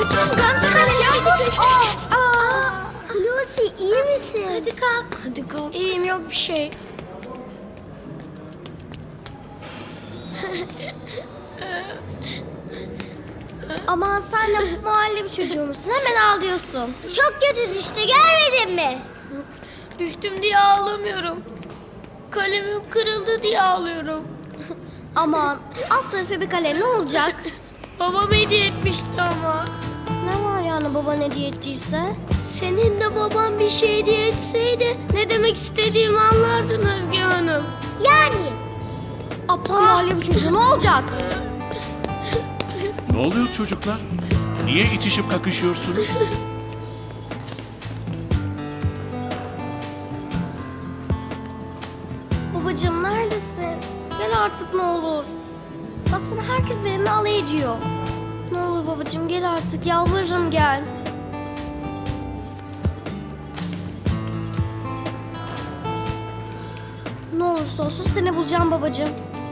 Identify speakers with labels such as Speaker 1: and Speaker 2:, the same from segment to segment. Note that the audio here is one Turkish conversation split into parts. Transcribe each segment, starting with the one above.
Speaker 1: Kaçın Gamze kaç ya.
Speaker 2: Hulusi iyi misin?
Speaker 1: Hadi kalk.
Speaker 2: Hadi kalk.
Speaker 1: İyiyim yok bir şey.
Speaker 2: Aman sen de mahalle bir çocuğu musun? Hemen ağlıyorsun. Çok kötü işte görmedin mi?
Speaker 1: Düştüm diye ağlamıyorum. Kalemim kırıldı diye ağlıyorum.
Speaker 2: Aman alt tarafı bir kalem ne olacak?
Speaker 1: Babam hediye etmişti ama.
Speaker 2: Ne var yani baban hediye ettiyse?
Speaker 1: Senin de baban bir şey hediye etseydi ne demek istediğimi anlardın Özge Hanım.
Speaker 2: Yani. Aptal mahalle bir çocuğu ne olacak?
Speaker 3: Ne oluyor çocuklar? Niye itişip kakışıyorsunuz?
Speaker 2: Babacığım neredesin? Gel artık ne olur. Baksana herkes benimle alay ediyor. Ne olur babacığım gel artık yalvarırım gel. Ne olursa olsun seni bulacağım babacığım.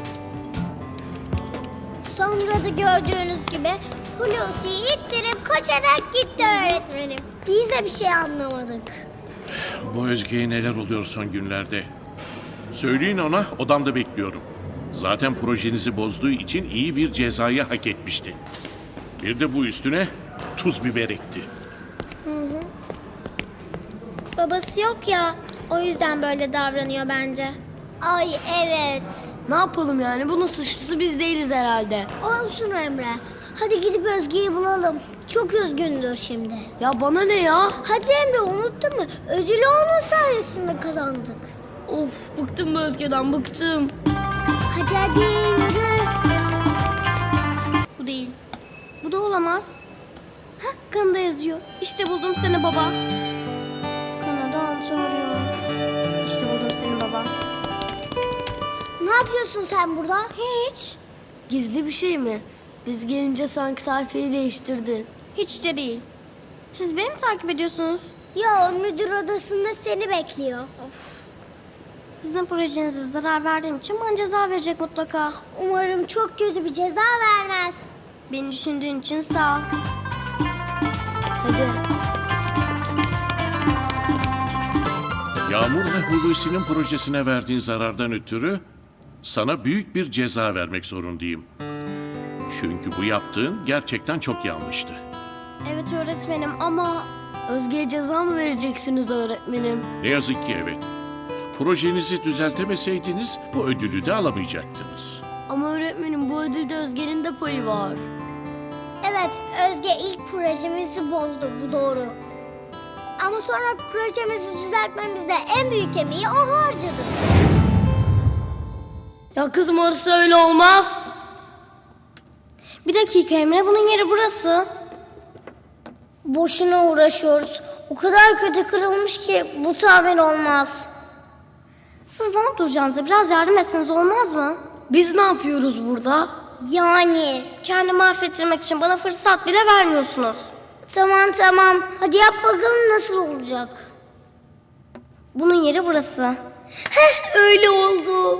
Speaker 2: Sonra da gördüğünüz gibi Hulusi'yi ittirip koşarak gitti öğretmenim. Biz de bir şey anlamadık.
Speaker 3: Bu Özge'ye neler oluyor son günlerde? Söyleyin ona, odamda bekliyorum. Zaten projenizi bozduğu için iyi bir cezayı hak etmişti. Bir de bu üstüne tuz biber ekti.
Speaker 2: Babası yok ya, o yüzden böyle davranıyor bence. Ay evet.
Speaker 1: Ne yapalım yani? Bunun suçlusu biz değiliz herhalde.
Speaker 2: Olsun Emre. Hadi gidip Özge'yi bulalım. Çok üzgündür şimdi.
Speaker 1: Ya bana ne ya?
Speaker 2: Hadi Emre unuttun mu? Ödülü onun sayesinde kazandık.
Speaker 1: Of bıktım bu Özge'den bıktım.
Speaker 2: Hadi yürü.
Speaker 1: Bu değil.
Speaker 2: Bu da olamaz. Hah kanada yazıyor. İşte buldum seni baba. Kanada Ontario. İşte buldum seni baba. Ne yapıyorsun sen burada? Hiç.
Speaker 1: Gizli bir şey mi? Biz gelince sanki sayfayı değiştirdi.
Speaker 2: Hiç de değil. Siz beni mi takip ediyorsunuz? Ya müdür odasında seni bekliyor. Sizin projenize zarar verdiğim için bana ceza verecek mutlaka. Umarım çok kötü bir ceza vermez. Beni düşündüğün için sağ ol.
Speaker 1: Hadi.
Speaker 3: Yağmur ve Hulusi'nin projesine verdiğin zarardan ötürü sana büyük bir ceza vermek zorundayım. Çünkü bu yaptığın gerçekten çok yanlıştı.
Speaker 2: Evet öğretmenim ama...
Speaker 1: Özge'ye ceza mı vereceksiniz öğretmenim?
Speaker 3: Ne yazık ki evet. Projenizi düzeltemeseydiniz bu ödülü de alamayacaktınız.
Speaker 1: Ama öğretmenim bu ödülde Özge'nin de payı var.
Speaker 2: Evet Özge ilk projemizi bozdu bu doğru. Ama sonra projemizi düzeltmemizde en büyük emeği o harcadı.
Speaker 1: Ya kızım orası öyle olmaz.
Speaker 2: Bir dakika Emre bunun yeri burası. Boşuna uğraşıyoruz. O kadar kötü kırılmış ki bu tamir olmaz. Siz ne yaptıracağınıza biraz yardım etseniz olmaz mı?
Speaker 1: Biz ne yapıyoruz burada?
Speaker 2: Yani kendimi affettirmek için bana fırsat bile vermiyorsunuz. Tamam. Hadi yap bakalım nasıl olacak. Bunun yeri burası. Heh öyle oldu.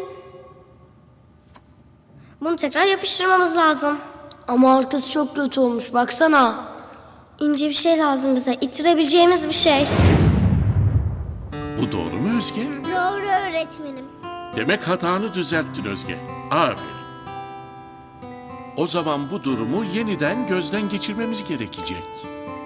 Speaker 2: Bunu tekrar yapıştırmamız lazım.
Speaker 1: Ama arkası çok kötü olmuş baksana.
Speaker 2: İnce bir şey lazım bize. İttirebileceğimiz bir şey.
Speaker 3: Bu doğru mu Özge?
Speaker 2: Doğru öğretmenim.
Speaker 3: Demek hatanı düzelttin Özge. Aferin. O zaman bu durumu yeniden gözden geçirmemiz gerekecek.